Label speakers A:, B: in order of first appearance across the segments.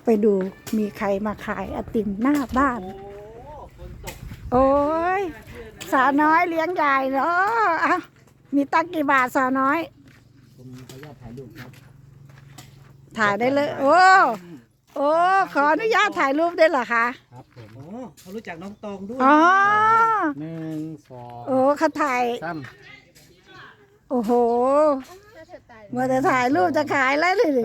A: ไปดูมีใครมาขายไอติมหน้าบ้าน โอ้ยสาวน้อยเลี้ยงใหญ่เนาะอ่ะมีตักกี่บาทสาวน้อย
B: ผมขออนุญาตถ่ายรูปครับ
A: ถ่ายได้เลย โอ้โอ้ขออนุญาตถ่ายรูปได้เหรอคะ
B: ครับผม
C: โอ้เขารู้จักน้องตองด้วย
A: อ๋อ
B: 1 2
A: โอ้เขาถ่ายโอ้โหเมื่อจะถ่ายรูปจะขายแล้วเลย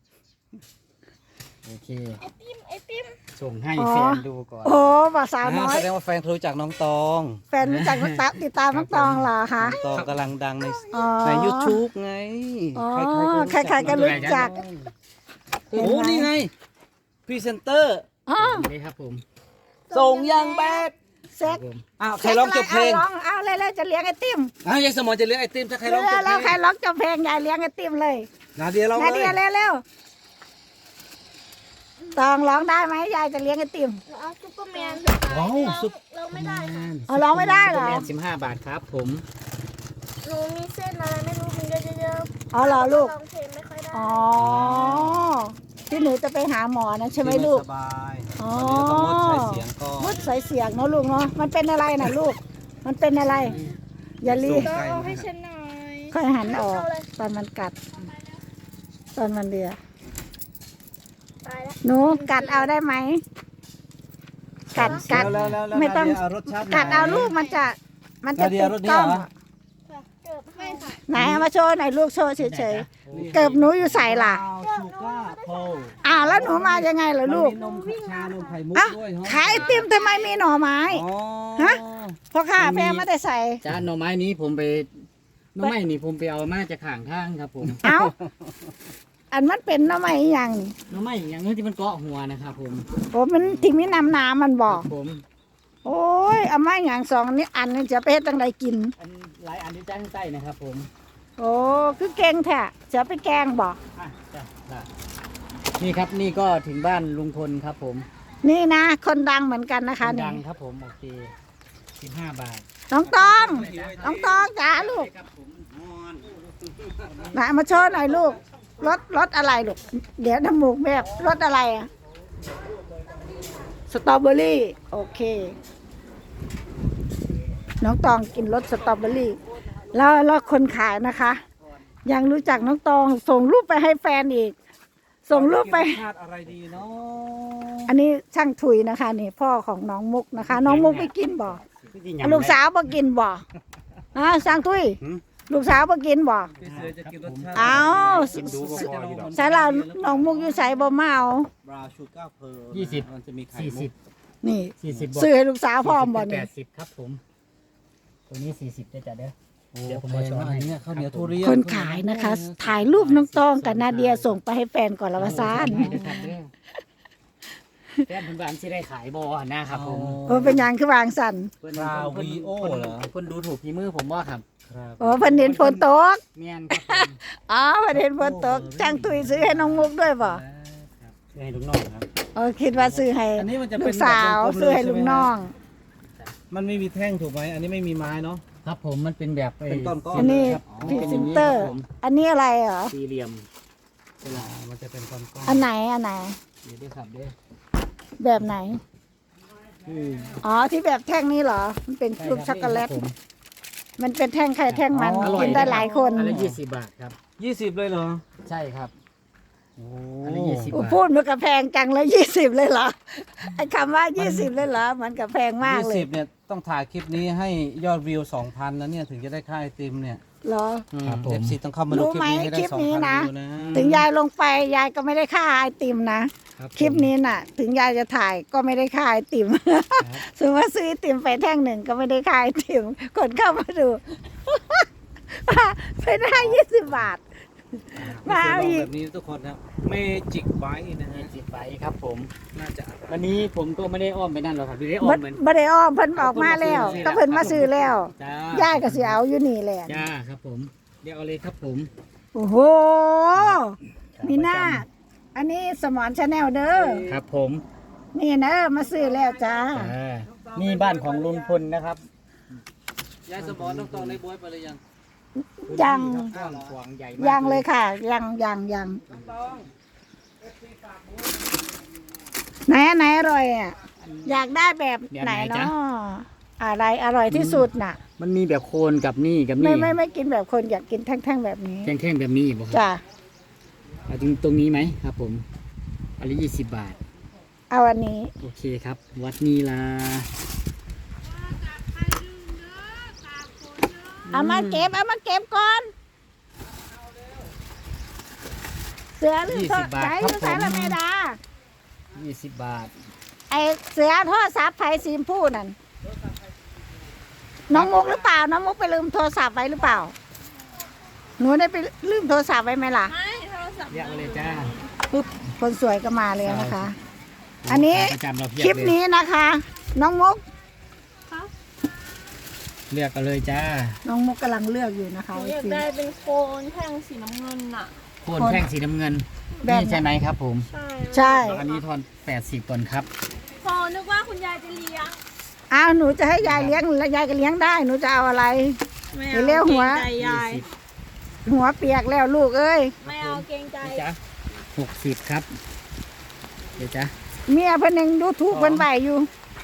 B: โอเคไอติมส่งให้แฟนดูก่อน
A: โอ้บ่าวสาวน้อย
C: แสดงว่าแฟนรู้จักน้องตอง
A: แฟนรู้จักติดตามน้องตองเหรอคะ
C: น้องตองกำลังดัง
A: ใน
C: YouTube ไง
A: ใครๆก็รู้จัก
C: โอ้นี่ไงพรีเซนเตอร์
B: นี่ครับผม
C: ส่งยังแบด
A: เซ็ก
C: อ้าวใครร้องจบเพลง
A: เอาเลยจะเลี้ยงไอติม
C: ยายสมอนจะเลี้ยงไอติมถ้าใครร้องจบเพลง
A: แล้วใครร้องจบเพลงยายเลี้ยงไอติมเลย
C: นาเดียร้อง
A: นาเดียเร็วตองร้องได้ไหมยายจะเลี้ยงไอติม
D: เอาซุปเปอร์แมนเราไม่ได้ค่ะ
A: ร้องไม่ได้เหรอ
B: 15 บาทครับผม
D: หนูมีเส้นอะไรไม่รู้มันเยอะๆ
A: อ๋อเหรอลูก
D: ร้องเพลงไม่ค่อยได้
A: อ๋อที่หนูจะไปหาหมอนะใช่ไหมลูก
C: สบาย
A: อ๋อ
C: ต้องงดใช้เสียงก็
A: งดใส่เสียงเนาะลูกเนาะมันเป็นอะไรนะลูกมันเป็นอะไรอย่าลี
D: เอาให้ฉันหน่อย
A: ค่อยหันออกตอนมันกัดตอนมันเลียหนูกัดเอาได้ไหมกัดไม่ต้องกัดเอาลูกมันจะติดกล้องไหนเอามาโชว์หน่อยลูกโชว์เฉยๆเกิบหนูอยู่ใส่ล่ะแล้วหนูมายังไงล่ะลูก
C: นมชานมไข่มุกด้วย
A: ขายไอติมทำไมมีหน่อไม้ฮะพ่อข้าแม่ไม่ได้ใส่
B: จ้าหน่อไม้นี้ผมไปเอามาจากข้างทางครับผม
A: อันมันเป็นหน่อไม้อย่าง
B: หน่อไม้อย่างนี้ที่มันเกาะหัวนะครับผม
A: โอ้มันที่มีน้ำมันบอก
B: ผม
A: โอ้ยเอาไม้อย่างสองนี้อันนี้จะไปตั้งใดกิน
B: หลายอันที่จ้างใต้นะครับผม
A: โอ้คือเก่งแท้จะไปแกงบอก
B: นี่ครับนี่ก็ถึงบ้านลุงพลครับผม
A: นี่นะคนดังเหมือนกันนะคะ
B: ดังครับผมโอเค15 บาท
A: น้องตองจ๋าลูกมาโชว์หน่อยลูกรสอะไรลูกเดี๋ยวน้ำมูกแบบรสอะไรอะสตรอเบอรี่โอเคน้องตองกินรสสตรอเบอรี่แล้วคนขายนะคะ ยังรู้จักน้องตองส่งรูปไปให้แฟนอีกส่งรูปไป
C: อะไรดีเนาะ
A: อันนี้ช่างถุยนะคะนี่พ่อของน้องมุกนะคะน้องมุกไปกินบ่ลูกสาวไปกินบ่ช่างถุยลูกสาวไปกินบ่เอาใส่เราน้องมุกอยู่ใส่บ่มาเอา
B: 20มันจะมีไข่มุก
A: นี่ซื้อให้ลูกสาวพร้อมบ่นี่
B: 80ครับผมตัวนี้40ได้จ้ะเด้อ
C: เดี๋ยวผมมาโชว์ให้เนี่ยข้าวเหนียวทุเรียน
A: คนขายนะคะถ่ายรูปน้องตองกับนาเดียส่งไปให้แฟนก่อนละวะซาน
B: แฟนผมบ้านที่ได้ขายบ่นะครับผม
A: เป็นยังคือวางสั่น
C: ราวีโอเหรอ
B: คนดูถูกฝีมือผมว่าครับ
A: เพิ่นเห็นฝนตก
B: เมียนครับ
A: เพิ่นเห็นฝนตกจ้างตุยซื้อให้น้องมุกด้วยบ่
B: ซื้อให้ลูกน้องครับ
A: คิดว่าซื้อให้ลูกสาวซื้อให้ลูกน้อง
C: มันไม่มีแท่งถูกไหมอันนี้ไม่มีไม้เนาะ
B: ครับผมมันเป็นแบบ
C: เป็นก้อน
A: อันนี้พรีเซนเตอร์อันนี้อะไรเหรอ
B: สี่เหลี่ยม
C: มันจะเป็นก้อน
A: อันไหน
B: เดี๋ยวครับเด้อ
A: แบบไหนที่แบบแท่งนี้เหรอมันเป็นลูกช็อกโกแลตมันเป็นแท่งไข่แท่งมันกินได้หลายคน
B: อันละ20 บาทครับ
C: 20เลยเหรอ
B: ใช่ครับ
C: อันละ20 บาท
A: พูดมันกับแพงจังเลย20เลยเหรอไอ้คำว่า20เลยเหรอมันกับแพงมากเลย
C: 20เนี่ยต้องถ่ายคลิปนี้ให้ยอดวิว 2,000นะเนี่ยถึงจะได้ค่าไอติมเนี่ย
A: เหรอ
C: FC ต้องเข้ามาดูคลิปนี้ให้ได้ 2,000 วิวนะ
A: ถึงยายลงไปยายก็ไม่ได้ค่าไอติมนะคลิปนี้น่ะถึงยายจะถ่ายก็ไม่ได้ค่าไอติมสมมติว่าซื้อไอติมไปแท่งหนึ่งก็ไม่ได้ค่าไอติมคนเข้ามาดูไปได้20 บาท
C: มาเอาอีกแบบนี้ทุกคนครับเมจิกไบต์นะฮะ
B: เมจิกไบต์ครับผม
C: น่าจะ
B: วันนี้ผมก็ไม่ได้อ้อมไปนั่นหรอกครับไม่ได้อ้อมเหมือน
A: ไม่ได้อ้อมเพิ่นออกมาแล้วก็เพิ่นมาซื้อแล้วย่ายก็สิเอาอยู่นี่แหละ
B: จ้าครับผมเดี๋ยวเอาเลยครับผม
A: โอ้โหมีหน้าอันนี้สมอนชาแนลเด้อ
B: ครับผม
A: นี่นะมาซื้อแล้วจ้า
B: นี่บ้านของลุงพลนะครับ
C: ยายสมอนต้องตองในบวยไปเลยยัง
A: ยังเลยค่ะยังไหนอร่อยอ่ะอยากได้แบบไหนเนาะอะไรอร่อยที่สุดน่ะ
B: มันมีแบบโคนกับนี่กับ
A: ไม่
B: นี่
A: ไม่กินแบบคนอยากกินแท่งๆแบบนี้
B: แท่งๆแบบนี้บอกครับ
A: จ้ะ
B: เอาตรงนี้ไหมครับผมอันละ20 บาท
A: เอาอันนี้
B: โอเคครับ วัดนีลา
A: เอามาเก็บก่อนเสือหรือ
B: 20 บาท
A: ใจ
B: ครับ
A: หรือสาย
B: ผม
A: ละเมดา
B: 20 บาท
A: ไอเสือโทรศัพท์ไผ่สีชมพูนั่นน้องมุกหรือเปล่าน้องมุกไปลืมโทรศัพท์ไว้หรือเปล่าหนูได้ไปลืมโทรศัพท์ไว้ไหมล่ะ
D: ไม่โทรศัพท์
B: เรียกมาเลยจ้า
A: ปุ๊บคนสวยก็มาเลยนะคะ อันนี้
B: ประจำเราเพีย
A: คลิ
B: บ
A: ป
B: เลย
A: นี้นะคะ น้องมุก
B: เลือกกันเลยจ้า
A: น้องมุกกำลังเลือกอยู่นะคะ
D: หนูอยากได้เป็นโคนแท่งสีน้ำเงินน่ะ
B: โคนแท่งสีน้ำเงิน
A: แบบ
B: นี่ใช่ไหมครับผม
D: ใช่
A: ใช่
B: อันนี้ทอน80ก่อนครับ
D: พอนึกว่าคุณยายจะเลี้ยง
A: อ้าวหนูจะให้ยายเลี้ยงแล้วยายก็เลี้ยงได้หนูจะเอาอะไร
D: ไม่
A: เดี๋ยวเลี้ยวหัว
D: กรงใจยาย
A: หัวเปียกแล้วลูกเอ้ย
D: ไม่เอาเกรงใจ
B: นี่จ้า60ครับเดี๋ยวจ้า
A: เมียเพิ่นยังดูถูกเพิ่นใบอยู่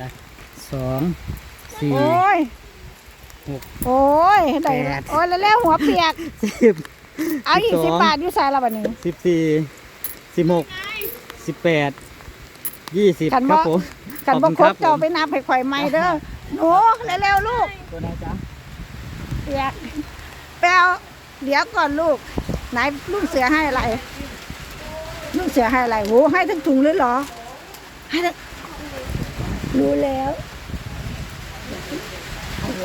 B: 2 4
A: โอ้ย
B: 6
A: โอ้ยได้
B: แปด
A: โอ้ยแล้วหัวเปียก
B: 10
A: เอาอีก10 บาทอยู่ใส่ละบัดนี้
B: 14 16 18 20
A: ขัน
B: ครับ
A: บ่
B: ผม
A: กัน
B: ข
A: บ่
B: อบ
A: ค
B: คุ
A: ร
B: ณ
A: บเจ้าไป
B: ผม
A: นับให้ข่อยใหม่เด้อหนูเร็วๆลูก
B: ตัวไหนจ๊ะ
A: เปียกไปเอาเดี๋ยวก่อนลูกไหนลูกเสือให้อะไรลูกเสือให้อะไรโหให้ทั้งถุงเลยเหรอให้ทั้งรู้แล้วอะไร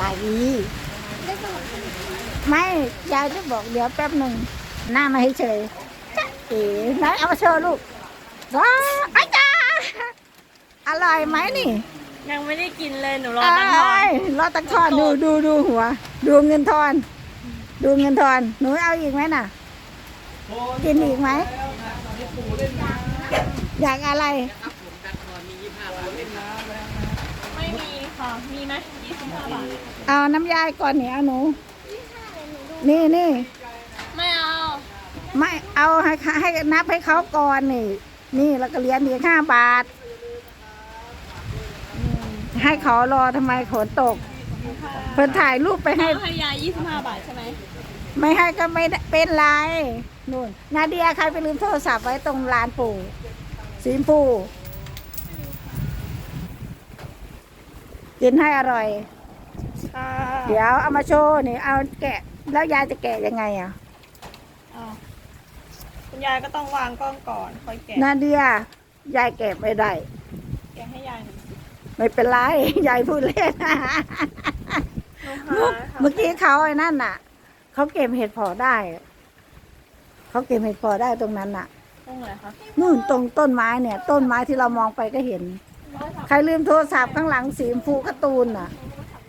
A: ไม่ยายจะบอกเดี๋ยวแป๊บหนึ่งหน้ามาให้เฉยจ๊ะเอ๋ไหนเอามาโชว์ลูกว้าอาจารย์อร่อยไหมนี่
D: ยังไม่ได้กินเลยหนูรอ
A: เอ้
D: ตั้งทอน
A: ยรอตักทอนดูหัว ดูเงินทอน ดูเงินทอนหนูเอาอีกไหมน่ะ กินอีกไหมอยากอะไร
D: ไม่มีค่ะ มีไหม25 บาท
A: เอาน้ำยายก่อนเนี่ยเอาหนู นี่
D: ไม่เอา
A: ไม่เอาให้นับให้เขาก่อนนี่แล้วก็เหรียญอีก5 บาทให้เขารอทำไมฝนตกเพิ่นถ่ายรูปไปให้
D: ให้ยาย25 บาทใช่ไหม
A: ไม่ให้ก็ไม่ได้เป็นไรนู่นนาเดียใครไปลืมโทรศัพท์ไว้ตรงลานปู่สีชมพูกินให้อร่อย
D: ค่ะ
A: เดี๋ยวเอามาโชว์นี่เอาแกะ แล้วยายจะแกะยังไงอ่ะ
D: คุณยายก็ต้องวางกล้องก่อนค่อยแกะ
A: นาเดียยายแกะไม่ได้
D: แกะให้ยายหน่อย
A: ไม่เป็นไร ยายพูดเล่น
D: หนูหาค่ะ
A: เมื่อกี้เขาไอ้นั่นน่ะเขาเก็บเห็ดเผอได้เขาเก็บเห็ดเผอได้ตรงนั้นน่ะ
D: ตรงไหนคะ
A: นู่นตรงต้นไม้เนี่ย ต้นไม้ที่เรามองไปก็เห็น ใครลืมโทรศัพท์ข้างหลังสีชมพูการ์ตูนน่ะ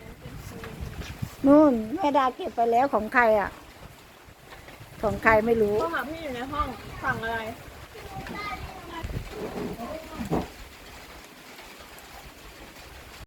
A: นู่นแม่ดาเก็บไปแล้วของใครอ่ะ ของใครไม่รู้
D: โทรหาพี่อยู่ในห้องสั่งอะไร